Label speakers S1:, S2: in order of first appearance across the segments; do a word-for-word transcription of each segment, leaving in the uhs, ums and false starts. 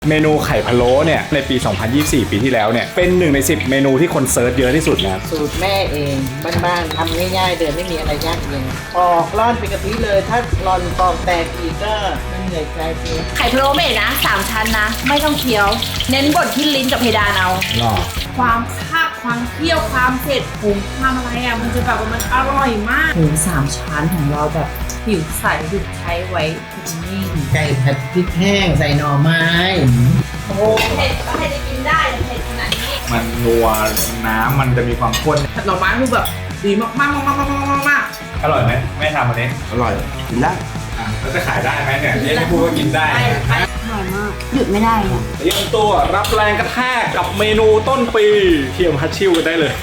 S1: เมนูไข่พะโล้เนี่ยในปี สองพันยี่สิบสี่ ปีที่แล้วเนี่ยเป็นหนึ่งในสิบเมนูที่คนเซิร์ชเยอะที่สุดนะ
S2: สูตรแม่เองบ้านๆทำง่ายๆเดินไม่มีอะไรยากเย็นปอกร่อนเป็นกะทิเลยถ้าร่อนปอกแตกอีกก็ไม่เหนื่อยใจจริง
S3: ไข่พะโล้เมนะสามชั้นนะไม่ต้องเคี้ยวเน้นบดที่ลิ้นกับเพดานเอาความคาบความเคี่ยวความเผ็ดผงความอะไรอ่ะมันจะแบบว่ามันอร่อยมากหมูสามชั้นของเราแบบผิวใสถูกใช้ไว้นิ่ง
S2: ไก่ผัดพริกแห้งใส่หน่อไม้
S3: โอ้เผ็ดก็ให้ได้กินได้เผ็ดขนาดนี้
S1: มันนัวน้ำมันจะมีความข้น
S3: ผัดหน่อไม้คือแบบดีมากมากมากมากมากมาก
S1: อร่อยไหมแม่ทำอันนี้
S4: อร่อยกินได้
S1: แล้วจะขายได้ไหมเนี่ยนี่ไม่พูดว่ากินได้
S3: อร่อยมากหยุดไม่ได้เนี่ย
S1: เตรียมตัวรับแรงกระแทกกับเมนูต้นปีเทียมฮัตชิวกันได้เลย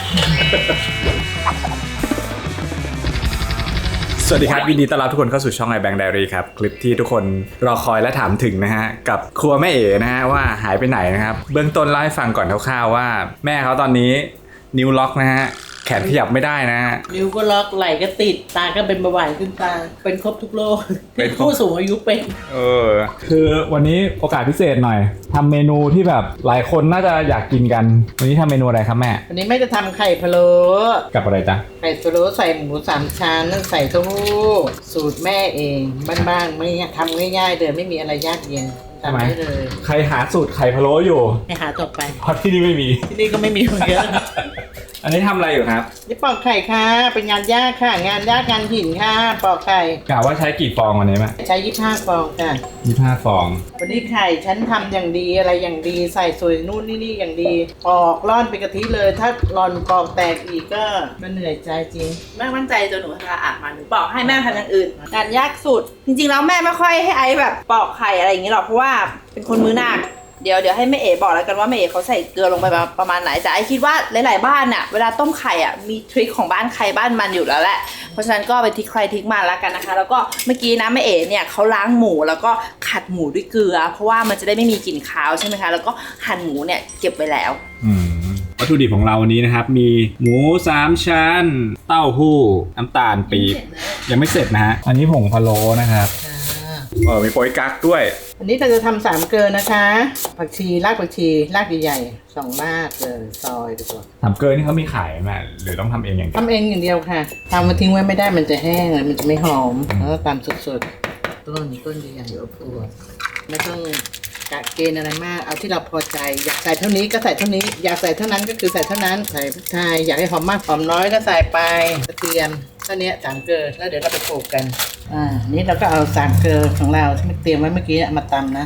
S1: สวัสดีครับยินดีต้อนรับทุกคนเข้าสู่ช่อง iBank Diary ครับคลิปที่ทุกคนรอคอยและถามถึงนะฮะกับครัวแม่เอ๋นะฮะว่าหายไปไหนนะครับเบื้องต้นเล่าให้ฟังก่อนคร่าวๆว่าแม่เขาตอนนี้นิ้วล็อกนะฮะแขนขยับไม่ได้นะ
S2: นิ้วก็ล็อกไหล่ก็ติดตาก็เป็นเบาหวานขึ้นตาเป็นครบทุกโรคเป็นผู้สูงอายุเป็น
S1: เออคือวันนี้โอกาสพิเศษหน่อยทำเมนูที่แบบหลายคนน่าจะอยากกินกันวันนี้ทำเมนูอะไรครับแม่
S2: วันนี้แม่จะทำไข่พะโล้
S1: กับอะไรจ๊ะ
S2: ไข่พะโล้ใส่หมูสามชั้นใส่เต้าหู้สูตรแม่เองบ้านๆไม่ทำง่ายๆเดินไม่มีอะไรยากเย็นทำได้เลย
S1: ใครหาสูตรไข่พะโล้อยู่
S2: ให้หาต่อไป
S1: เพราะที่นี่ไม่มี
S2: ที่นี่ก็ไม่มีเหมือนกัน
S1: อันนี้ทำอะไรอยู่ครับ
S2: นี่ปอกไข่ค่ะเป็นงานยากค่ะงานยากงานหินค่ะปอกไข่
S1: กะว่าใช้กี่ฟองวันนี้แม่
S2: ใช้ยี่สิบห้าฟองค่ะ
S1: ยี่สิบห้าฟอง
S2: วันนี้ไข่ฉันทำอย่างดีอะไรอย่างดีใส่สวยนู่นนี่นี่อย่างดีปอกร่อนเป็นกะทิเลยถ้าร่อนปอกแตกอีกก็มันเหนื่อยใจจริง
S3: แม่มั่นใจจนหนูทาอ่านมาหนูบอกให้แม่ทำอย่างอื่นงานยากสุดจริงๆแล้วแม่ไม่ค่อยให้ไอ้แบบปอกไข่อะไรอย่างนี้หรอกเพราะว่าเป็นคนมือหนักเดี๋ยวเดี๋ยวให้แม่เอ๋บอกแล้วกันว่าแม่เอ๋เขาใส่เกลือลงไปประมาณไหนแต่ไอคิดว่าหลายๆบ้านน่ะเวลาต้มไข่อ่ะมีทริคของบ้านใครบ้านมันอยู่แล้วแหละเพราะฉะนั้นก็เป็นทริคใครทริคมาแล้วกันนะคะแล้วก็เมื่อกี้นะแม่เอ๋เนี่ยเขาล้างหมูแล้วก็ขัดหมูด้วยเกลือเพราะว่ามันจะได้ไม่มีกลิ่นคาวใช่ไหมคะแล้วก็หั่นหมูเนี่ยเก็บไว้แล้ว
S1: วัตถุดิบของเราวันนี้นะครับมีหมูสามชั้นเต้าหู้น้ำตาลปี๊บยังไม่เสร็จนะฮะอันนี้ผงพะโล้นะครับเออมีโป๊ยกั๊กด้วย
S2: อันนี้เราจะทำสามเกลือนะคะผักชีรากผักชีรากใหญ่ๆสองรากเลยซอยดีกว่า
S1: สามเกลือนี่เขามีขายไหมหรือต้องทำเองอย่างเดียว
S2: ทำเองอย่างเดียวค่ะทำมาทิ้งไว้ไม่ได้มันจะแห้งมันจะไม่หอมแล้วก็ตามสดๆต้นนี้ต้นใหญ่ๆอบอวบไม่ต้องกะเกณฑ์อะไรมากเอาที่เราพอใจอยากใส่เท่านี้ก็ใส่เท่านี้อยากใส่เท่านั้นก็คือใส่เท่านั้นใส่พริกไทยอยากให้หอมมากหอมน้อยก็ใส่ไปกระเทียมเท่านี้สามเกลือแล้วเดี๋ยวเราไปโขลกกันอ่านี่เราก็เอาสามเกลือของเราที่เตรียมไว้เมื่อกี้มาตำนะ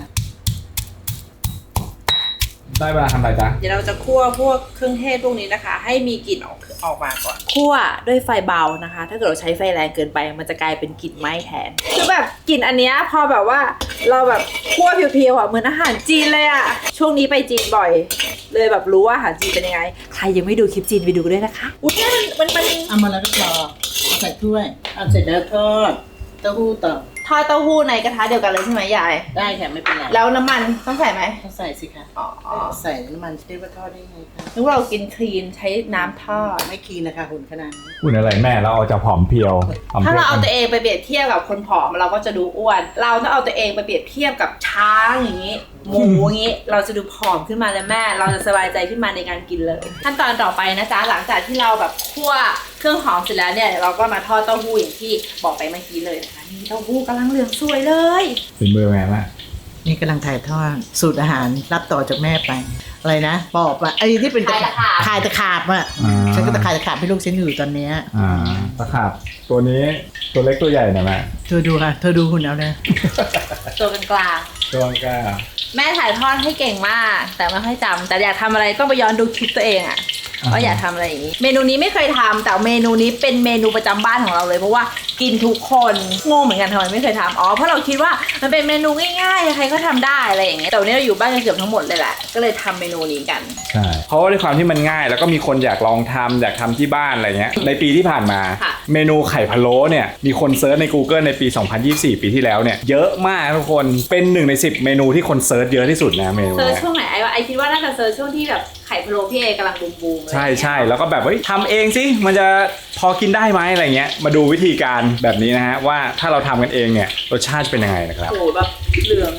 S1: ได้เวลาทำอะไรจ๊ะ
S3: เดี๋ยวเราจะคั่วพวกเครื่องเทศพวกนี้นะคะให้มีกลิ่นออกออกมาก่อนคั่วด้วยไฟเบานะคะถ้าเกิดเราใช้ไฟแรงเกินไปมันจะกลายเป็นกลิ่นไหม้แทนคือแบบกลิ่นอันเนี้ยพอแบบว่าเราแบบคั่วเพียวๆอ่ะเหมือนอาหารจีนเลยอ่ะช่วงนี้ไปจีนบ่อยเลยแบบรู้ว่าอาหารจีนเป็นยังไงใครยังไม่ดูคลิปจีนไปดูด้วยนะคะอุ้ยมันมันมัน
S2: เอามาแล้วก็พอเอาใส่ถ้วยเอาเสร็จแล้วทอดเต้าหู้ต่อ
S3: ทอดเต้าหู้ในกระทะเดียวกันเลยใช่ไหมยาย
S2: ได้ค่ะไม่เป็นไร
S3: แล้วน้ำมันต้องใส่ไหม
S2: ต้องใส่สิคะอ๋อใส่น้ำมันจะได้ว่าทอดได้ไงคะ
S3: นึกว่าเรากินคลีนใช้น้ำทอด
S2: ไม่คลีนนะคะหุ่นขนาดนี้
S1: หุ่นอะไรแม่เราเอาจะผอมเพียว
S3: ถ้าเราเอาตัวเองไปเปรียบเทียบกับคนผอมเราก็จะดูอ้วนเราต้องเอาตัวเองไปเปรียบเทียบกับช้างอย่างนี้หมูอย่างนี้เราจะดูผอมขึ้นมาเลยแม่เราจะสบายใจขึ้นมาในการกินเลยขั้นตอนต่อไปนะจ๊ะหลังจากที่เราแบบคั่วเครื่องหอมเสร็จแล้วเนี่ยเราก็มาทอดเต้าหู้อย่างที่บอกไปเมื่อกี้เลยนะคะนี่เต้าหู้กำลังเหลืองสวยเลย
S1: เป็นเบอร์แม่แม่
S2: นี่กำลังถ่ายทอดสูตรอาหารรับต่อจากแม่ไปอะไรนะปอบอะไอ้ที่เป็นตะขาบขายตะขาบอะฉันก็ตะขายตะขาบให้ลูกฉันอยู่ตอนนี้
S1: อ่าตะขาบตัวนี้ตัวเล็กตัวใหญ่นะแม่
S2: เธอดูค่ะเธอดูหุ่นเอาเลย
S3: ตัวกลาง
S1: ตัวกลาง
S3: แม่ถ่ายทอดให้เก่งมากแต่ไม่ค่อยจำแต่อยากทำอะไรต้องไปย้อนดูคลิปตัวเองอะว่าอยากทำอะไรอย่างนี้เมนูนี้ไม่เคยทำแต่เมนูนี้เป็นเมนูประจำบ้านของเราเลยเพราะว่ากินทุกคนงงเหมือนกันทำไมไม่เคยทำอ๋อเพราะเราคิดว่ามันเป็นเมนูง่ายๆใครก็ทำได้อะไรอย่างเงี้ยแต่วันนี้เราอยู่บ้านกันเกือบทั้งหมดเลยแหละก็เลยทำเมนูนี้กัน
S1: ใช่เพราะว่าด้วยความที่มันง่ายแล้วก็มีคนอยากลองทำอยากทำที่บ้านอะไรเงี้ยในปีที่ผ่านมาเมนูไข่พะโล้เนี่ยมีคนเซิร์ชใน Google ในปี สองพันยี่สิบสี่ ปีที่แล้วเนี่ยเยอะมากทุกคนเป็นหนึ่งในสิบเมนูที่คนเซิร์ชเยอะที่สุดนะเมนู
S3: เซิร์ชช่วงไหนไอ้ว่าไอ้คิดว่าน่าจะเซิร์ชช่วงที่แบบไข่พะโล้พี่เอกำลังบูมๆเลย
S1: ใช่ใช่แล้วก็แบบเฮ้ยทำเองสิมันจะพอกินได้ไหมอะไรเงี้ยมาดูวิธีการแบบนี้นะฮะว่าถ้าเราทำกันเองเนี่ยรสชาติเป็นยังไงนะครับ
S3: โอ้แบบเหลืองแบบ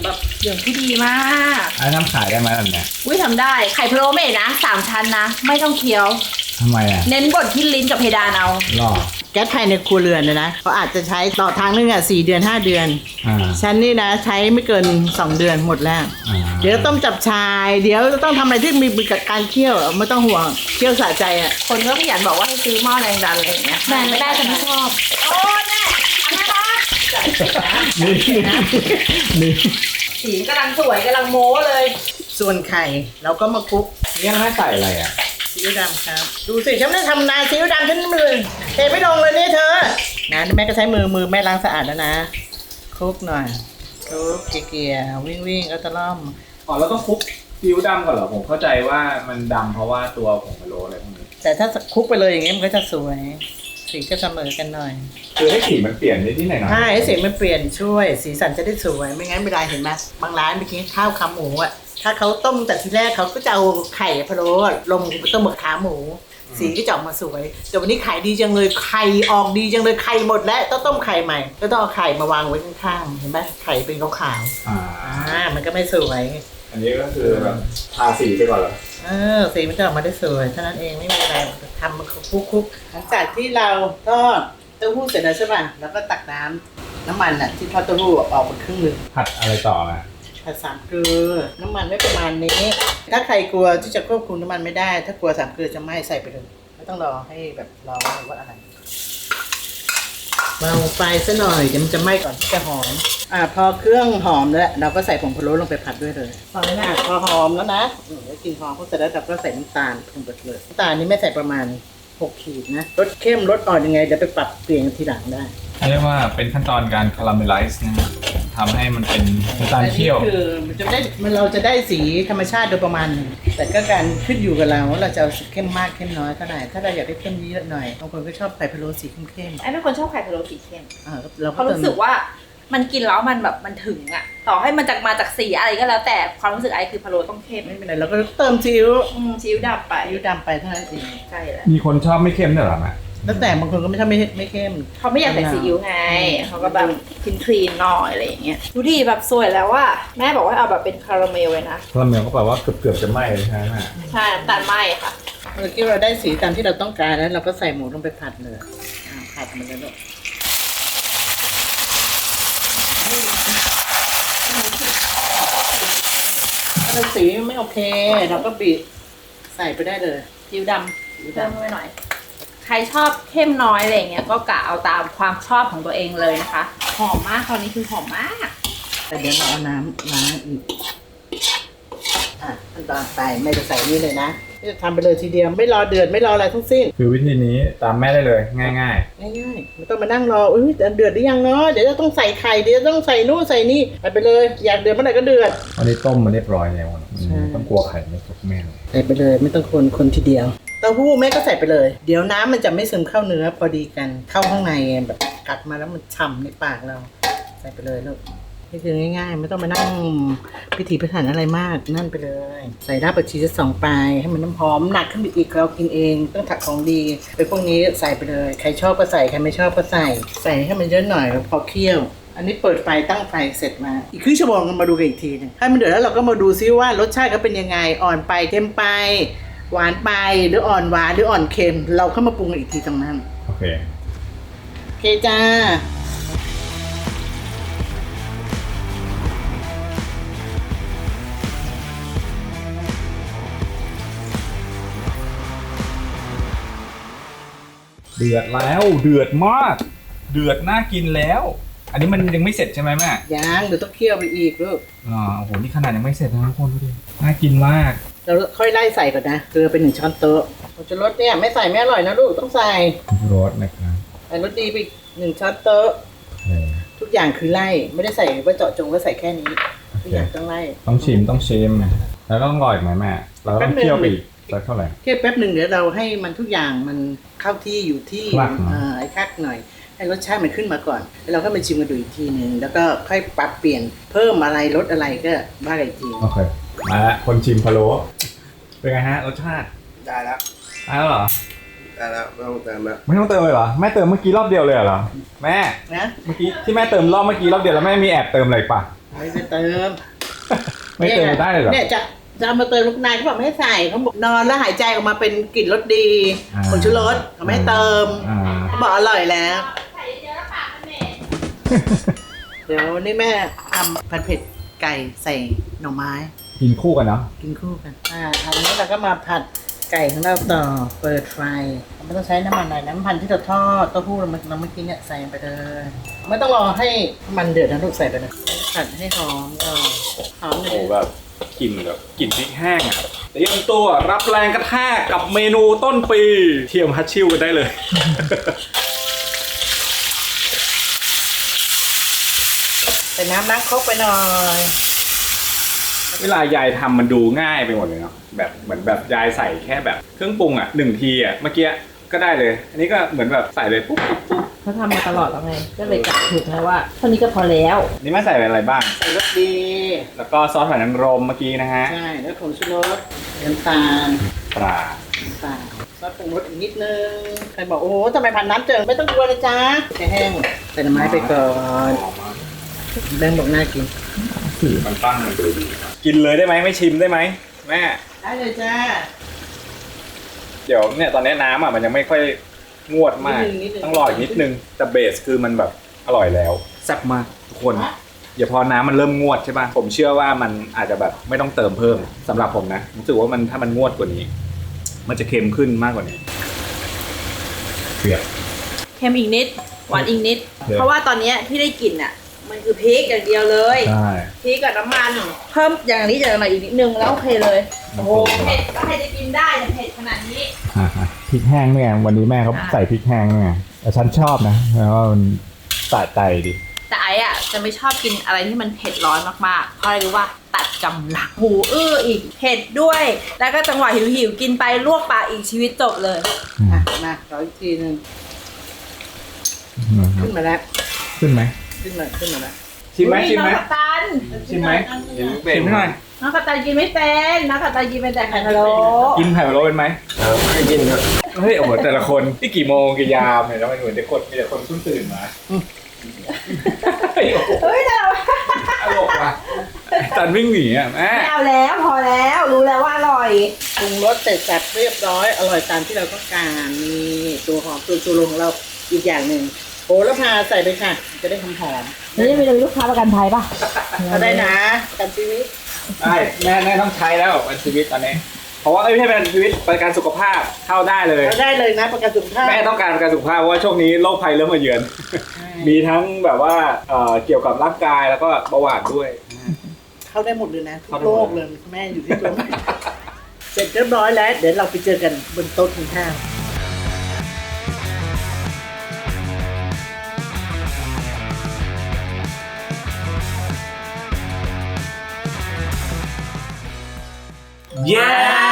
S3: เหลืองที่ดีมาก
S1: ไอ้น้ำขายได้ไหมแบบเนี้ย
S3: อุ้ยทำได้ไข่พะโล้เมดนะสามชั้นนะไม่ต้องเคี้ยว
S1: ทำไมอ่ะ
S3: เน้นบดที่ลิ้นกับเพดานเอา
S1: หรอ
S2: แก๊สภายในครัวเรือนนะนะเขาอาจจะใช้ต่อทางนึงอ่ะสี่เดือนห้าเดือน
S1: อ่า
S2: ฉันนี่นะใช้ไม่เกินสองเดือนหมดแล้ว
S1: อ่า
S2: เดี๋ยวต้มจับชาย เดี๋ยวต้องทำอะไรที่มีกับการเคี่ยวไม่ต้องห่วงเคี่ยวสะใจอ่ะ
S3: คนก็ขยันบอกว่าให้ซื้อหม้อแรงดันอะไรอย่างเงี้ยแม่ไม่ได้แต่ไม่ชอบโอ้ยแม่อันนั้นนะ
S1: นี่นี่
S3: สีกำลังสวยกำลังโม้เลย
S2: ส่วนไข่เราก็มาคลุก
S1: นี่ให้ใส่อะไรอ่ะ
S2: ซีอิ๊วดำครับ ดูสิฉันไม่ได้ทำนาซีอิ๊วดำฉันมือเทไม่ลงเลยนี่เธอนะแม่ก็ใช้มือมือแม่ล้างสะอาดแล้วนะคลุกหน่อยคลุกเกลี่ยๆวิ่งวิ่งเอาตะล่อม
S1: อ๋อเราต้องคลุกซีอิ๊วดำก่อนเหรอผมเข้าใจว่ามันดำเพราะว่าตัวผงพะโล้อะไรพวกนี้
S2: แต่ถ้าคลุกไปเลยอย่างเงี้ยมันก็จะสวยสีก็เสมอกันหน่อย
S1: คือให้สีมันเปลี่ยนนิดนิดหน่อยหน่อย
S2: ใช่ให้สีมันเปลี่ยนช่วยสีสันจะได้สวยไม่งั้นเวลาเห็นไหมบางร้านไปกินข้าวขาหมูอ่ะถ้าเขาต้มแต่ทีแรกเขาก็จะเอาไข่พะโล้ลงไปต้มกับขาหมู สีก็จะออกมาสวยแต่วันนี้ขายดีจังเลยไข่ออกดีจังเลยไข่หมดแล้วต้องต้มไข่ใหม่ก็ต้องเอาไข่มาวางไว้ข้างๆเห็นไหมไข่เป็นขาว
S1: อ่า
S2: ๆอ่ามันก็ไม่สวย
S1: อันนี้ก็คือแบบทาสีไปก่อนเหรอ
S2: เออสีมันจะออกมาได้สวยเท่านั้นเองไม่มีอะไรทำมันคุกๆหลังจากที่เราทอดเต้าหู้เสร็จแล้วใช่ป่ะแล้วก็ตักน้ำน้ำมันอ่ะที่ทอดเต้าหู้ออกมาครึ่งหนึ่ง
S1: ผัดอะไรต่อมา
S2: ผัดสามเกลือน้ำมันไม่ประมาณนี้ ถ้าใครกลัวที่จะควบคุมน้ำมันไม่ได้ ถ้ากลัวสามเกลือจะไหม้ใส่ไปเลยไม่ต้องรอให้แบบรอว่าอะไรเบาไฟซะหน่อยเดี๋ยวมันจะไหม้ก่อนที่จะหอมอ่าพอเครื่องหอมแล้วเราก็ใส่ผงพะโล้ลงไปผัดด้วยเลยพอแล้วนะพอหอมแล้วนะอืมแล้วกลินหอมพอเสร็จแล้วเราก็ใส่น้ำตาลลงไปเลยน้ำตาลนี้ไม่ใส่ประมาณหกขีดนะรสเข้มรสอ่อนยังไงเดี๋ยวไปปรับเปลี่ยนทีหลังได้
S1: เรียกว่าเป็นขั้นตอนการคาราเมลไลซ์นะทำให้มันเป็นน้ำตาลเคี่ยว
S2: อันนี้คือมันจะได้มันเราจะได้สีธรรมชาติโดยประมาณหนึ่งแต่ก็การขึ้นอยู่กับเราว่าเราจะเอาสีเข้มมากเข้มน้อยเท่าไหร่ถ้าเราอยากได้เข้มเยอะหน่อยบางคนก็ชอบไข่พะโล้สีเข้ม
S3: ไอ้เป็นคนชอบไข่พะโล้สีเข้ม
S2: ๆอ่าเราก็
S3: เขาะ
S2: เติม
S3: รู้สึกว่ามันกินแล้วมันแบบมันถึงอะต่อให้มันจากมาจากสีอะไรก็แล้วแต่ความรู้สึกไอ้คือพะโล้ต้องเข้ม
S2: ไม่เป็นไรเราก็เติมซีอิ๊ว
S3: อืมซีอิ๊วดำไป
S2: ซีอิ๊วดำไปเท่านั้นเอง
S3: ใช่แหละ
S1: มีคนชอบไม่เข้มด้วยเหรอแม่
S2: แล้วแต่บางคนก็ไม่ชอบไม่ไม่เข้ม
S3: เขาไม่อยากใส่ซีอิ๊วไงเขาก็แบบคลีนคลีนๆหน่อยอะไรอย่างเงี้ยดูดิแบบสวยแล้วว่าแม่บอกว่าเอาแบบเป็นคาราเมลเลยนะ
S1: คาราเมลก็แปลว่าเกือบเกือบจะไหม้เลยใช่ไหมแม่
S3: ใช่น้ำตาลไหมค่ะ
S2: เมื่อกี้เราได้สีตามที่เราต้องการแล้วเราก็ใส่หมูลงไปผัดเลยอ่าผัดมันเลยลูกถ้าเราสีไม่โอเค เราก็บีบใส่ไปได้เลย
S3: ซีอิ๊วดำเพิ่มไปหน่อย ใครชอบเข้มน้อยอะไรอย่างเงี้ยก็กะเอาตามความชอบของตัวเองเลยนะคะ หอมมากคราวนี้คือหอมมาก
S2: แต่เดี๋ยวเราเอาน้ำล้างอีก อ่ะขั้นตอนไปไม่จะใส่นี่เลยนะจะทำไปเลยทีเดียวไม่รอเดือดไม่รออะไรทั้งสิ้น
S1: คือวิธีนี้ตามแม่ได้เลยง่าย
S2: ง่ายๆไม่ต้องมานั่งรออุ้ยเดือดหรือยังเนาะเดี๋ยวจะต้องใส่ไข่เดี๋ยวต้องใส่นู่นใส่นี่ไปไปเลยอยากเดือดเมื่อไหร่ก็เดือด
S1: ๆวันนี้ต้มมาเรียบร้อยแล้ว
S2: ใช่
S1: ต้องกลัวไข่ไม่สุกแม่เลย
S2: ใส่ไปเลยไม่ต้องคนคนทีเดียวเต้าหู้แม่ก็ใส่ไปเลย เดี๋ยวน้ำมันจะไม่ซึมเข้าเนื้อพอดีกันเข้าข้างในแบบกัดมาแล้วมันฉ่ำในปากเรา ใส่ไปเลยลูกนี่คือง่ายๆไม่ต้องมานั่งพิถีพิถันอะไรมากนั่นไปเลย ใส่รากผักชีสักสองปลายให้มันน้ำหอมหนักขึ้นไปอีกเรากินเองต้องถักของดีไปพวกนี้ใส่ไปเลยใครชอบก็ใส่ใครไม่ชอบก็ใส่ ใส่ให้มันเยอะหน่อยพอเคี่ยว อันนี้เปิดไฟตั้งไฟเสร็จมาอีกครึ่งชั่วโมงกันมาดูกันอีกทีหนึงให้มันเดือดแล้วเราก็มาดูซิว่ารสชาติเขาเป็นยังไงอ่อนไปเค็มไป หวานไปหรืออ่อนหวานหรืออ่อนเค็ม เราเข้ามาปรุงกันอีกทีตรงนั้น
S1: โอเค
S2: โอเคจ้า
S1: เดือดแล้วเดือดมาก เดือดน่ากินแล้ว อันนี้มันยังไม่เสร็จใช่ไหมแม่
S2: ยังเดี๋ยวต้องเคี่ยวไปอีกลูก
S1: อ๋อโอ้โหนี่ขนาดยังไม่เสร็จนะทุกคนดูดิน่ากินมาก
S2: เราค่อยไล่ใส่ก่อนนะเกลือเป็นหนึ่งช้อนโต๊ะผงชูรสเนี่ยไม่ใส่ไม่อร่อยนะลูกต้องใส่
S1: รสนะครับ
S2: ใส่รสดีไปอีกหนึ่งช้อนโต๊ะ
S1: โอเค
S2: ทุกอย่างคือไล่ไม่ได้ใส่ว่าเจาะจงว่าใส่แค่นี้ทุกอย่างต้องไล่
S1: ต้องชิมต้องชิมแล้วก็ต้องรออีกไหมแม่เราก็ต้องเคี่ยวไปอีกสักเท่าไหร่
S2: เคี่ยวแป๊บหนึ่งเดี๋ยวเราให้มันทุกอย่างมันเข้าที่อยู่ที่
S1: คลักหน่อย
S2: อ่าไอ้คักหน่อยให้รสชาติมันขึ้นมาก่อนแล้วเราก็มาชิมกันดูอีกทีหนึ่งแล้วก็ค่อยปรับเปลี่ยนเพิ่มอะไรลดอะไรก็ว่ากันอีกที
S1: โอเคมาละคนชิมพะโล้เป็นไงฮะรสชาติ
S4: ได้แล้ว
S1: ได้แล้วเหรอ
S4: ได้แล้วไม่ต้องเติมแล้ว
S1: ไม่ต้องเติมเลยเหรอแม่เติมเมื่อกี้รอบเดียวเลยเหรอแม่
S2: นะ
S1: เมื่อกี้ที่แม่เติมรอบเมื่อกี้รอบเดียวแล้วแม่มีแอบเติมอะไรปะ
S2: ไม่ไปเติม
S1: ไม่เติมได้เลยเหรอ
S2: เนี่ยจะจะเอามาเติมลูกนายเขาบอกไม่ให้ใส่เขาบอกนอนแล้วหายใจออกมาเป็นกลิ่นรสดี
S1: อ่า
S2: ผงชูรสเขาไม่ให้เติม
S1: อ่า
S2: เขาบอกอร่อยแล้ว
S3: ใส่เยอะแล้วปากมันเหม็น
S2: เดี๋ยววันนี้แม่ทำผัดเผ็ดไก่ใส่หน่อไม้
S1: กินคู่กันเนาะ
S2: กินคู่กัน อ่าทำนี้เราก็มาผัดไก่ของเราต่อ เปิดไฟเราไม่ต้องใช้น้ำมันหน่อยน้ำมันที่เราทอดเต้าหู้เราเมื่อเราเมื่อกี้เนี่ยใส่ไปเลย ไม่ต้องรอให้มันเดือดนะลูกใส่ไปเลยผัดให้หอมก่อนหอมเล
S1: โอ้
S2: ย
S1: แบบกลิ่นแบบกลิ่นพริกแห้งอ่ะเตรียมตัวรับแรงกระแทกกับเมนูต้นปีเทียมฮัตชิวกันได้เลย
S2: ใส่น้ำล้างครกไปหน่อย
S1: เวลายายทำมันดูง่ายไปหมดเลยเนาะแบบเหมือนแบบยายใส่แค่แบบเครื่องปรุงอ่ะหนึ่งทีอ่ะเมื่อกี้ก็ได้เลย อันนี้ก็เหมือนแบบใส่เลยปุ๊บปุ๊บปุ๊บ
S3: เขาทำมาตลอดแล้วไง ก็เลยกะถูกนะว่าเท่านี้ก็พอแล้ว
S1: นี่แม่ใส่อะไรบ้าง
S2: ใส่รสดี
S1: แล้วก็ซอสหอยนางรมเมื่อกี้นะฮะ
S2: ใช่แล้วผงชูรสน้ำตาล
S1: ปลา
S2: น้ำตาลซอสปรุงรสอีกนิดนึงใครบอกโอ้โหทำไมผัดน้ำเจิงไม่ต้องกลัวเลยจ้าแค่แห้งใส่หน่อไม้ไปก่อนแบงค์บอกน่ากิน
S1: มันตั้งมันดูดีกินเลยได้ไหมไม่ชิมได้ไหมแม่
S2: ได้เลยจ้า
S1: เดี๋ยวเนี่ยตอนนี้น้ำอ่ะมันยังไม่ค่อยงวดมาก
S2: นิดนึงนิดนึง
S1: ต้องรออีกนิดนึงแต่เบสคือมันแบบอร่อยแล้วแซ่บมากทุกคนอย่าพอน้ำมันเริ่มงวดใช่ป่ะผมเชื่อว่ามันอาจจะแบบไม่ต้องเติมเพิ่มสำหรับผมนะรู้สึกว่ามันถ้ามันงวดกว่านี้ มันจะเค็มขึ้นมากกว่านี้เปรี้ยว
S3: เค็มอีกนิด หวานอีกนิด
S1: เดี๋ยว
S3: เพราะว่าตอนเนี้ยที่ได้กลิ่นอ่ะ มันคือพริกอย่างเดียวเลย
S1: ใช่
S3: พริกกับน้ำมัน เพิ่มอย่างนี้อย่างหน่อยอีกนิดนึงแล้วโอเคเลย โอ้โห เผ็ดแล้วใครจะกินได้เนี่ยเผ็ดขนาดนี้
S1: พริกแห้งเนี่ยวันนี้แม่เขาใส่พริกแห้งเนี่ยแต่ฉันชอบนะเพราะว่ามันสะใจดี
S3: แต่ไอ้อะจะไม่ชอบกินอะไรที่มันเผ็ดร้อนมากๆ เพราะอะไรรู้ว่าตัดกำลังหูอื้ออีกเผ็ดด้วย แล้วก็จังหวะหิวๆกินไปลวกปากอีกชีวิตจบเลย
S2: อ่ะมาขออีกทีนึงขึ้นมาแล้ว
S1: ขึ้นไหม
S2: ขึ้นมาขึ้นมาแล้ว
S1: ชิมไหม
S3: อุ๊ย
S1: ชิมไหม
S3: น้องกัปตัน
S1: ชิมไหม
S4: เป็น
S1: ชิมหน่อย
S3: น้องกัปตันกินไม่เป็นน้องกัปตันกินเป็นแต่ไข่พะโล้
S1: กินไข่พะโล้เป็นไหม
S4: ไม่กินครับ
S1: เฮ้ยโอ้โหแต่ละคนนี่กี่โมงกี่ยามเนี่ยแล้วมันเหมือนจะกดมีแต่คนเพิ่งตื่นมาเฮ้ยโอ้โห
S3: เฮ้ยแต่เรา
S1: ตลกว่ะจันวิ่งหนีอ่ะแม่
S3: ไม่เอาแล้วพอแล้วรู้แล้วว่าอร่อย
S2: ปรุงรสเสร็จสับเรียบร้อยอร่อยตามที่เราต้องการนี่ตัวหอมตัวชูโรงของเราอีกอย่างหนึ่งโหระพาใส่ไปค่ะ จะได้หอมหอม
S3: นี่มีลูกค้าประกันภัยป่ะ
S2: ๆก็ได้นะประกันชีวิต
S1: ใช่แม่แม่ต้องใช้แล้วเป็นชีวิตตอนนี้เพราะว่าเอ้ยไม่ใช่เป็นชีวิตประกันสุขภาพเข้าได้เลย
S2: ก็ได้เลยนะประกันสุขภาพ
S1: แม่ต้องการประกันสุขภาพเพราะว่าช่วงนี้โรคภัยเริ่มมาเยือน มีทั้งแบบว่าเอ่อเกี่ยวกับร่างกายแล้วก็เบาหวานด้วย
S2: เข้าได้หมดเลยนะทุก
S1: เข้าได้
S2: โร
S1: หมด
S2: คเลยแม่อยู่ที่ตัวแม่เสร็จเรียบร้อยแล้ว เดี๋ยวเราไปเจอกันบนโต๊ะกินข้าว
S1: เย้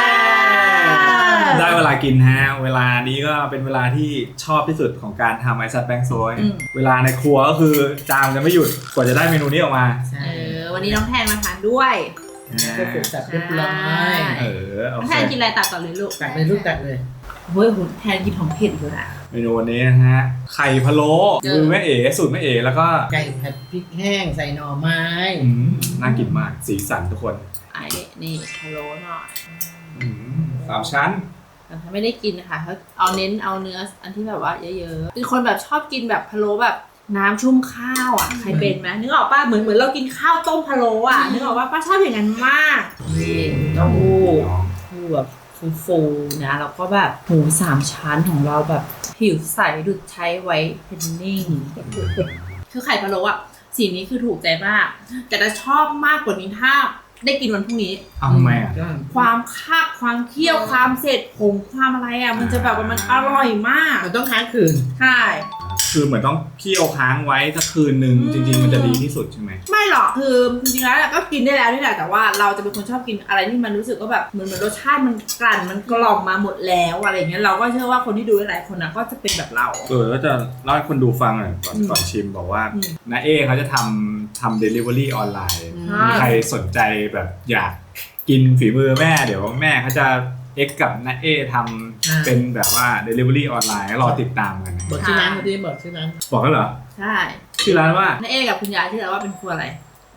S1: ได้เวลากินฮะเวลานี้ก็เป็นเวลาที่ชอบที่สุดของการทำไอซัดแบงค์โซย
S3: อืม
S1: เวลาในครัวก็คือจามจะไม่หยุดกว่าจะได้เมนูนี้ออกมา
S2: ใช่
S3: เออวันนี้น้องแทนมาทานด้วย
S2: ก็เสร็จสับเรียบร้อย
S1: เออโอ
S3: น้อง
S1: เค
S3: แทนกินอะไรตัดก่อนเลยลูก
S2: ตักเลยลูกตักเลย
S3: เฮ้ยหุ่นแทนกินของเผ็ดอยู่นะ
S1: เมนูวันนี้นะฮะไข่พะโล้มือแม่เอ๋สูตรแม่เอ๋แล้วก็
S2: ไก่ผัดพริกแห้งใส่หน่อไม้
S1: อืมน่ากินมากสีสันทุกคน
S3: ไอ้นี่พะโล้หน่อย
S1: อืมสามชั้น
S3: แต่ถ้าไม่ได้กินนะคะเขาเอาเน้นเอาเนื้ออันที่แบบว่าเยอะๆเป็นคนแบบชอบกินแบบพะโล้แบบน้ำชุ่มข้าวอ่ะใครเป็นไหมนึกออกป่ะเหมือนเหมือนเรากินข้าวต้มพะโล้อ่ะนึกออกป่ะป้าชอบอย่างนั้นมากนี่เต้าหู้ฟูแบบฟูๆนะแล้วก็แบบหมูสามชั้นของเราแบบผิวใสดุดใช้ไว้เพนนิ่งคือไข่พะโล้อ่ะสีนี้คือถูกใจมากแต่จะชอบมากกว่านี้ถ้าได้กินวันพรุ่งนี้
S1: เอาทำไมอ่ะ
S3: ความคาบความเคี่ยวความเสร็จผงความอะไรอ่ะมันจะแบบว่ามันอร่อยมาก
S2: มันต้องค้างคืน
S3: ใช่
S1: คือเหมือนต้องเคี่ยวค้างไว้สักคืนหนึ่ง
S3: อืม
S1: จริง ๆ มันจะดีที่สุดใช่ไหม
S3: ไม่หรอกคือจริงๆแล้วก็กินได้แล้วนี่แหละแต่ว่าเราจะเป็นคนชอบกินอะไรที่มันรู้สึกว่าแบบเหมือนเหมือนรสชาติมันกลั่นมันกล่อมมาหมดแล้วอะไรอย่างเงี้ยเราก็เชื่อว่าคนที่ดูหลายๆคนนะก็จะเป็นแบบเรา
S1: เออแล้วจะเล่าให้คนดูฟังหน่อยก่อน
S3: อืม
S1: ก่อนชิมบอกว่า
S3: อืม
S1: น้าเอเขาจะทำทำเดลิเวอรี่ออนไลน์
S2: อืม
S1: มีใครสนใจแบบอยากกินฝีมือแม่เดี๋ยวแม่เขาจะเอ็กกับน้าเอทำเป็นแบบว่าเดลิเวอรี่ออนไลน์รอติดตามกันนะ
S2: บอกชื่อร้านมาดิบอกชื่อร้าน
S1: บอกแล้วเหรอ
S3: ใช่
S1: ชื่อร้านว่า
S3: น้าเอกับคุณยายที่เราว่าเป็นครัวอะไร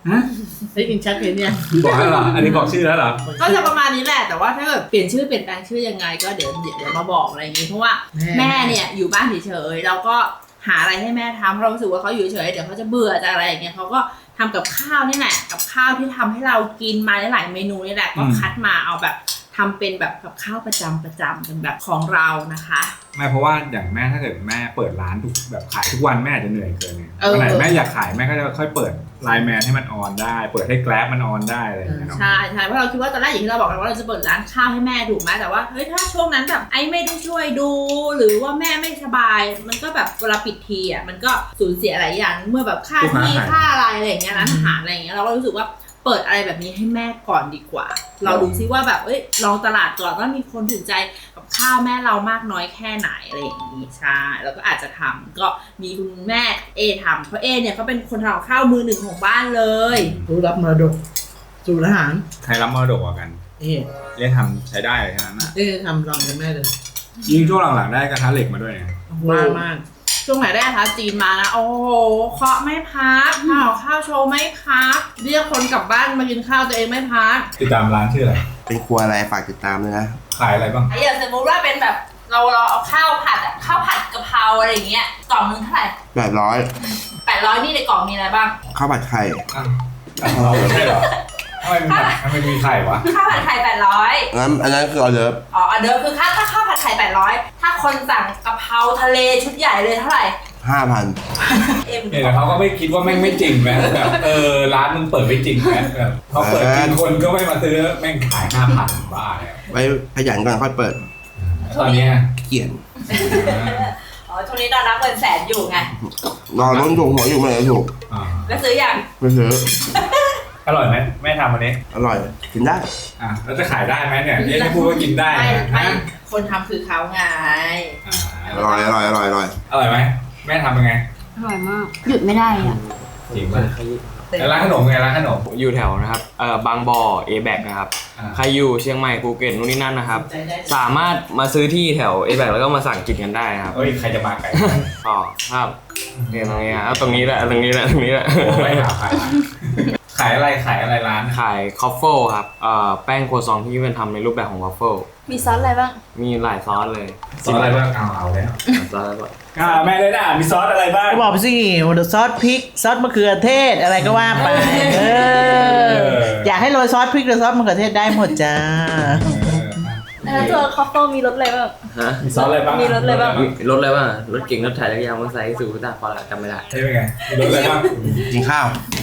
S1: ฮะ
S2: ได้ยินชัดเลยเนี่ย
S1: บอกแล้วเหรออันนี้บอกชื่อแล้วเหรอ
S3: ก็จะประมาณนี้แหละแต่ว่าถ้าเกิดเปลี่ยนชื่อเปลี่ยนแปลงชื่อยังไงก็เดี๋ยวเดี๋ยวเดี๋ยวมาบอกอะไรอย่างงี้เพราะว่าแม่เนี่ยอยู่บ้านเฉยๆเราก็หาอะไรให้แม่ทำเพราะเรารู้สึกว่าเขาอยู่เฉยๆเดี๋ยวเขาจะเบื่อจะอะไรอย่างเงี้ยเขาก็ทำกับข้าวนี่แหละกับข้าวที่ทำให้เรากินมาหลายๆเมนูนี่แหละก็คัดมาเอาแบบทำเป็นแบบกับข้าวประจำประจำเป็นแบบของเรานะคะ
S1: ไม่เพราะว่าอย่างแม่ถ้าเกิดแม่เปิดร้านทุกแบบขายทุกวันแม่อาจจะเหนื่อยเกินไง
S3: เออ
S1: วันไหนแม่อยากขายแม่ก็จะค่อยเปิดไลน์แมนให้มันออนได้เปิดให้แกร็บมันออนได้อะไรอย่างเงี้ยเนาะ
S3: ใช่ใช่เพราะเราคิดว่าตอนแรกอย่างที่เราบอกกันว่าเราจะเปิดร้านข้าวให้แม่ถูกไหมแต่ว่าเฮ้ยถ้าช่วงนั้นแบบไอ้ไม่ได้ช่วยดู หรือว่าแม่ไม่สบาย มันก็แบบเวลาปิดทีอ่ะมันก็สูญเสียหลายอย่างเมื่อแบบค่าที่ค่าอะไรอะไรอย่างเงี้ยร้านอาหารอะไรอย่างเงี้ยเราก็รู้สึกว่าเปิดอะไรแบบนี้ให้แม่ก่อนดีกว่า เราดูซิว่าแบบเอ้ยลองตลาดก่อนว่ามีคนถูกใจกับข้าวแม่เรามากน้อยแค่ไหนอะไรอย่างนี้ใช่แล้วก็อาจจะทำก็มีคุณแม่เอทำเพราะเอเนี่ยเขาเป็นคนทำข้าวมือหนึ่งของบ้านเลย
S2: รู้รับมรดกสูตรอาหาร
S1: ใครรับมรดกกว่ากัน
S2: เอ๊ะ
S1: เรียกทำใช้ได้เลยแค่นั้นนะ
S2: เอ๊ะทำลองกับแม่เลย
S1: ยิ่งช่วงหลังๆได้กระทะเหล็กมาด้วยไง
S2: มากมาก
S3: ช่วงไหนได้คะจีนมานะโอ้โหเคาะไม่พักข้าวข้าวโชว์ไม่พักเรียกคนกลับบ้านมากินข้าวตัวเองไม่พัก
S1: ติดตามร้านชื่ออะไร
S4: เป็นครัวอะไรฝากติดตามเลยนะ
S1: ขายอะไรบ้าง
S3: ไอ้อย่างสมมติว่าเป็นแบบเราเราเอาข้าวผัดอะข้าวผัดกะเพราอะไรอย่างเงี้ยกล่องนึงเท่าไหร่
S4: แปดร้อย
S3: แปดร้อยนี่ในกล่องมีอะไรบ้าง
S4: ข้าวผัดไข่
S1: อ้าวเราไม่ใช่เหรอทำไมมีทำไมมีไข่วะ
S3: ข้าวผัดไข่แปดร้อย
S4: งั้นอันนั้นคือออเดิร์ฟ
S3: อ๋ออันเดิมคือค่าถ้าข้าวผัดไข่แปดร้อยถ้าคนสั่งกะเพราทะเลชุดใหญ่เลยเท่าไหร่
S4: ห้าพัน
S3: เอ็ม
S1: เนี่ยแต่เขาก็ไม่คิดว่าแม่งไม่จริงไหมแบบเออร้านมึงเปิดไม่จริงไหมแบบพอเปิดจริงคนก็ไม่มาซื้อแม่งขายห้าพันบ้าเนี่ย
S4: ไว้ขยันก่อนค่อยเปิด
S1: ตอนนี้
S4: เกลียด
S3: อ๋อช่วงนี้ตอนรับเงินแสนอยู่ไง
S4: รอล้นถุงหัวอยู่ไม่ได้ถูก
S1: อ่า
S3: แล้วซื้ออย่าง
S4: ไม่ซื้อ
S1: อร่อยไหมแม่ทำวันนี้
S4: อร่อยกินได้
S1: อ่ะแล้วจะขายได้ไหมเนี่ยเอ๊ะไม่พูดว่ากินได้
S3: ไม่
S1: นะ
S3: ไม่
S1: ฮะ
S3: คนทำคือเขาไง
S1: อ่า
S4: อร่อยอร่อยอร่อยอร่อย
S1: อร่อยไหมแม่ทำยังไง
S5: อร่อยมาก หยุดไม่ได้อ่ะ
S1: จริงป่ะแล้วร้านขนมไงร้านขนม
S6: อยู่แถวนะครับเอ่อบางบ่อ เอ แบก นะครับ
S1: อ่า
S6: ใครอยู่เชียงใหม่ภูเก็ตนู่นนี่นั่นนะครับ
S2: ใจได้
S6: สามารถมาซื้อที่แถว เอ แบก แล้วก็มาสั่งกินกันได้นะครับ
S1: เฮ้ยใครจะมาไก่
S6: อ๋อครับเนี่ยตรงนี้ครับตรงนี้แหละตรงนี้แหละตรงนี้แหละ
S1: ไม่หาขายขายอะไรขายอะไรร้าน
S6: ขายคอฟเฟิลครับเอ่อแป้งโครวซองที่เป็นทำในรูปแบบของวอฟเฟิล
S5: มีซอสอะไรบ้าง
S6: มีหลายซอสเลย
S1: ซอสอะไรบ้างเอาเอาแล้ว
S6: ซอสอะไรบ้าง
S1: อ่าแม่เลยนะมีซอสอะไรบ้าง
S2: ก็บอกไปสิซอสพริกซอสมะเขือเทศอะไรก็ว่าไปเอออยากให้โรยซอสพริกหรือซอสมะเขือเทศได้หมดจ้า
S5: แล้วตัวคอฟเฟิลมีรสอะไรบ้าง
S6: ฮะ
S1: มีซอสอะไรบ้าง
S5: มีรสอะไรบ้าง
S6: รถอะไรบ้างรถเก่งรถถ่ายจักรยานมอเตอร์ไซค์สูบตาพอละจำไม่ได้
S1: ใช่ไหมไงมีรสอะไรบ้าง
S4: กินข้าว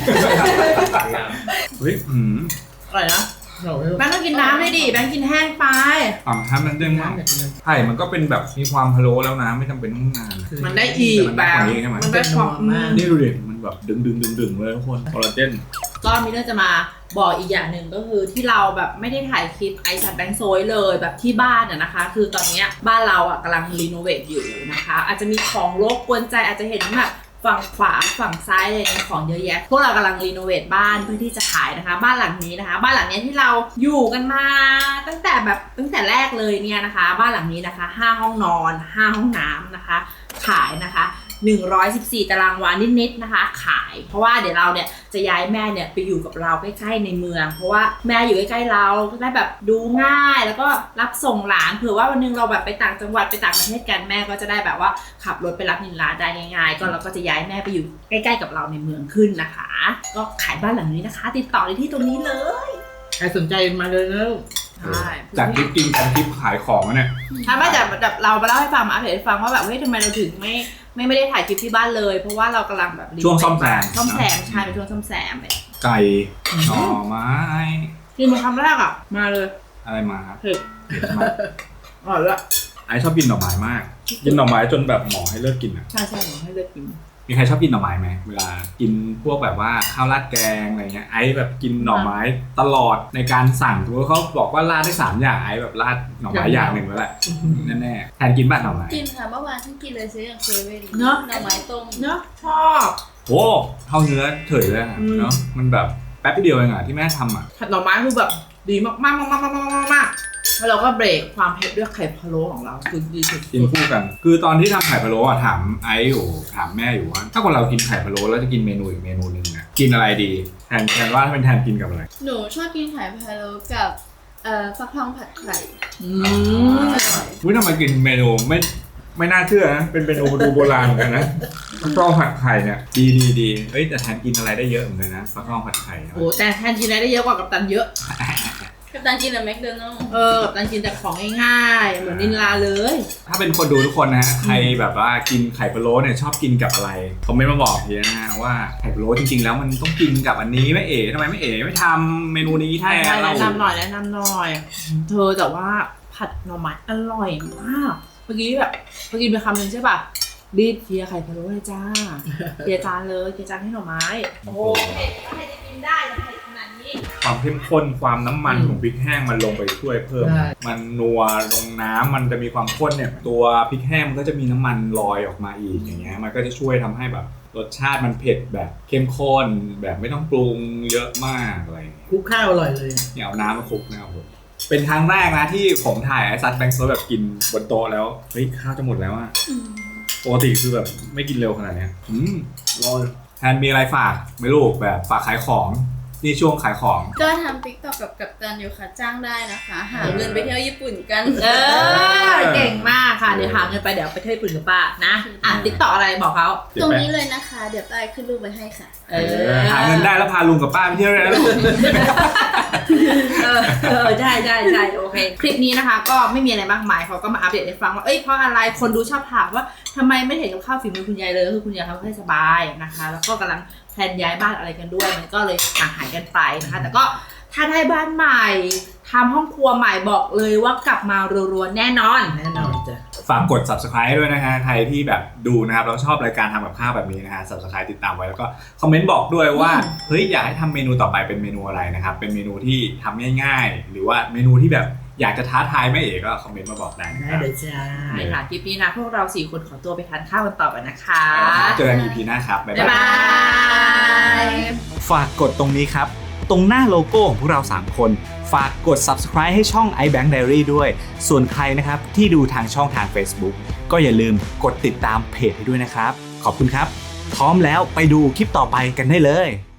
S1: เฮ้ยอืม
S2: อร่อยนะอร่อย
S3: แบงค์ต้องกินน้ำด้วยดิแบงค์กินแห้งไป
S1: อ่าทำมันเด้งมากไข่มันก็เป็นแบบมีความพะโล้แล้วนะไม่จำเป็นต้องนาน
S3: มันได้อีก
S1: มัน
S3: แบ
S1: ได้
S3: บ
S1: กว่านี้ใช่ไหม
S3: มันได้ความ
S2: เป็นนัวมาก
S1: นี่ดูดิมันแบบดึงดึงดึงดึงเลยทุกคนคอลลาเจน
S3: ก็มีเรื่องจะมาบอกอีกอย่างหนึ่งก็คือที่เราแบบไม่ได้ถ่ายคลิปไอซันแบงค์โซยเลยแบบที่บ้านอะนะคะ คือตอนเนี้ยบ้านเราอะกำลังรีโนเวทอยู่นะคะ อาจจะมีของรบกวนใจอาจจะเห็นแบบฝั่งขวาฝั่งซ้ายอะไรเนี่ยของเยอะแยะ พวกเรากำลังรีโนเวทบ้านเพื่อที่จะขายนะคะ บ้านหลังนี้นะคะ บ้านหลังนี้ที่เราอยู่กันมาตั้งแต่แบบตั้งแต่แรกเลยเนี่ยนะคะ บ้านหลังนี้นะคะห้าห้องนอนห้าห้องน้ำนะคะ ขายนะคะหนึ่งร้อยสิบสี่ตารางวานิดๆนะคะ ขายเพราะว่าเดี๋ยวเราเนี่ยจะย้ายแม่เนี่ยไปอยู่กับเราใกล้ๆในเมือง เพราะว่าแม่อยู่ใกล้ๆเราก็ได้แบบดูง่ายแล้วก็รับส่งหลานเผื่อว่าวันนึงเราแบบไปต่างจังหวัดไปต่างประเทศกันแม่ก็จะได้แบบว่าขับรถไปรับนิลาได้ง่ายๆก็เราก็จะย้ายแม่ไปอยู่ใกล้ๆกับเราในเมืองขึ้นนะคะ ก็ขายบ้านหลังนี้นะคะ ติดต่อได้ที่ตรงนี้เลย
S2: ใครสนใจมาเลยนะ
S3: ใช่
S1: จากคลิปกินกันคลิปขายของอะเนี่ย
S3: ถ้าไม่แต่แบบเรามาเล่าให้ฟังมาอัปเดตให้ฟังว่าแบบเฮ้ยทำไมเราถึงไม่ไม่ไม่ได้ถ่ายคลิปที่บ้านเลย เพราะว่าเรากำลังแบบ
S1: ช่วงซ่อมแซม
S3: ซ่อมแซมใช่เป็นช่วงซ่อมแซมเลย
S1: ไก่หน่อไม้
S3: กินมาคำแรกอ่ะมาเลย
S1: อะไรมาครับ
S3: เผ็ด
S1: มา
S3: อร่อยละ
S1: ไอชอบกินหน่อไม้มาก กินหน่อไม้จนแบบหมอให้เลิกกินอ่ะ
S3: ใช่ใช่หนูให้เลือกกิน
S1: มีใครชอบกินหน่อไม้ไหมเวลากินพวกแบบว่าข้าวราดแกงอะไรเงี้ยไอแบบกินหน่อไม้ตลอดในการสั่งถือว่าเขาบอกว่าราดได้สามอย่างไอแบบราดหน่อไม้อย่างหนึ่งแล้วแหละแน่ๆแทนกินบ้านหน่อไม้
S5: กินค่ะเมื่อวานฉันกินเลยซื้อจากเซเว่น
S3: เนอะ
S5: หน่อไม้ต้ม
S3: เนาะชอบ
S1: โอ้เท่าเนื้อเฉยเลยอะ
S3: อืม
S1: เนาะมันแบบแป๊บเดียวเองอะที่แม่ทำอะ
S3: ผัดหน่อไม้คือแบบดีมากมากมากมากมากมากมากแล้วเราก็เบรกความเผ็ดด้วยไข่พะโล้ของเราคือดีสุด
S1: กินคู่กัน คือตอนที่ทำไข่พะโล้อะถามไอซ์อยู่ถามแม่อยู่ว่าถ้าคนเรากินไข่พะโล้แล้วจะกินเมนูอีกเมนูหนึ่งอะกินอะไรดีแทนแทนว่าถ้าเป็นแทนกินกับอะไร
S5: หนูชอบกินไข่พะโล้กับเอ่อฟักทองผัดไข่
S2: อืม
S5: อร่อย
S1: วิทำไมกินเมนูไม่ไม่น่าเชื่อนะเป็นเมนูดูโบราณเหมือนกันนะฟักทองผัดไข่เนี่ยดีดีดีเอ้ยแต่แทนกินอะไรได้เยอะเหมือนกันนะฟักทองผัดไข่
S2: โอ้แต่แทนกินอะไรได้เยอะกว่ากัปตันเยอะ
S5: กับตันกินแต่แมคโดนัลด์
S2: เออกัปตันกินแต่ของง่ายๆเหมือนนินลาเลย
S1: ถ้าเป็นคนดูทุกคนนะฮะใครแบบว่ากินไข่พะโล้เนี่ยชอบกินกับอะไรคอมเมนต์มาบอกทีนะฮะว่าไข่พะโล้จริงๆแล้วมันต้องกินกับอันนี้แม่เอ๋ทำไมแม่เอ๋ไม่ทำเมนูนี้แท
S2: ใช่
S1: น
S2: ใช่
S1: เรา
S2: แนะนำหน่อยแนะนำหน่อย เธอแต่ว่าผัดหน่อไม้อร่อยมาก เมื่อกี้แบบเมื่อกี้ไปคำหนึ่งใช่ป่ะรีบเคลียร์ไข่พะโล้เลยจ้าเคลียร์จานเลยเคลียร์จานให้หน่อไม้
S3: โอ้โหเผ็ดก็ให้จะกินได้แต่เผ็ดขนาดนี้
S1: ความเข้มข้นความน้ำมัน
S2: อืม
S1: ของพริกแห้งมันลงไปช่วยเพิ่ม
S2: ใช่
S1: มันนัวลงน้ำมันจะมีความข้นเนี่ยตัวพริกแห้งมันก็จะมีน้ำมันลอยออกมาอีกอย่างเงี้ยมันก็จะช่วยทำให้แบบรสชาติมันเผ็ดแบบเข้มข้นแบบไม่ต้องปรุงเยอะมากอะไรอย่างเงี้ย
S2: คลุกข้าวอร่อยเลย
S1: เนี่ยเอาน้ำมาคลุกนะครับผมเป็นครั้งแรกนะที่ผมถ่ายไอ้ซัดแบงค์โซดแบบกินบนโต๊ะแล้วเฮ้ยข้าวจะหมดแล้วอะปกติคือแบบไม่กินเร็วขนาดเนี้ยอืมอร่อยแทนมีอะไรฝากไหม่ลูกแบบฝากขายของนี่ช่วงขายของ
S5: ก็ทำติ๊กต็อกกับกัปตันอยู่ค่ะจ้างได้นะคะ หาเงินไปเที่ยวญี่ปุ่นกัน
S2: เออเก่งมากค่ะเดี๋ยวหาเงินไปเดี๋ยวไปเที่ยวญี่ปุ่นกับป้านะอ่ะติ๊กต่ออะไรบอกเขา
S5: ตรงนี้เลยนะคะ เดี๋ยวป้ายขึ้นรูปไว้ให้ค่ะ
S2: เอ
S1: เออหาเงินได้แล้วพาลุงกับป้าไปเที่ยวเลยนะลูก
S2: เออเออใช่ใช่ใช่โอเค คลิปนี้นะคะก็ไม่มีอะไรมากมายเขาก็มาอัปเดตให้ฟังว่าเอ้ยเพราะอะไรคนดูชอบถามว่าทำไมไม่เห็นกับข้าวฝีมือคุณยายเลยก็คือคุณยายทำให้สบายนะคะ แล้วก็กำลังแพลนย้ายบ้านอะไรกันด้วยมันก็เลยห่างหายกันไปนะคะ แต่ก็ถ้าได้บ้านใหม่ทำห้องครัวใหม่บอกเลยว่ากลับมารัวๆแน่นอนแน่นอนจ้ะ
S1: ฝากกด subscribe ให้ด้วยนะฮะใครที่แบบดูนะครับแล้วชอบรายการทำกับข้าวแบบนี้นะฮะ subscribe ติดตามไว้แล้วก็คอมเมนต์บอกด้วยว่าเฮ้ยอยากให้ทำเมนูต่อไปเป็นเมนูอะไรนะครับเป็นเมนูที่ทำง่ายๆ หรือว่าเมนูที่แบบอยากจะท้าทายแม่เอ๋ก็คอมเมนต์มาบอกได้นะค
S2: ได้
S1: รับ
S2: เลยจ้าใช่ค่ะคลิปนี้นะพวกเราสี่คนขอตัวไปทานข้าวกันต่อกันนะคะ
S1: เจอกัน อี พี หน้าครับบ๊าย
S2: บ๊าย
S1: บา
S2: บาย ย
S7: ฝากกดตรงนี้ครับ ตรงหน้าโลโก้ของพวกเราสามคน ฝากกด subscribe ให้ช่อง iBank Diary ด้วย ส่วนใครนะครับที่ดูทางช่องทาง Facebook ก็อย่าลืมกดติดตามเพจให้ด้วยนะครับ ขอบคุณครับ พร้อมแล้วไปดูคลิปต่อไปกันได้เลย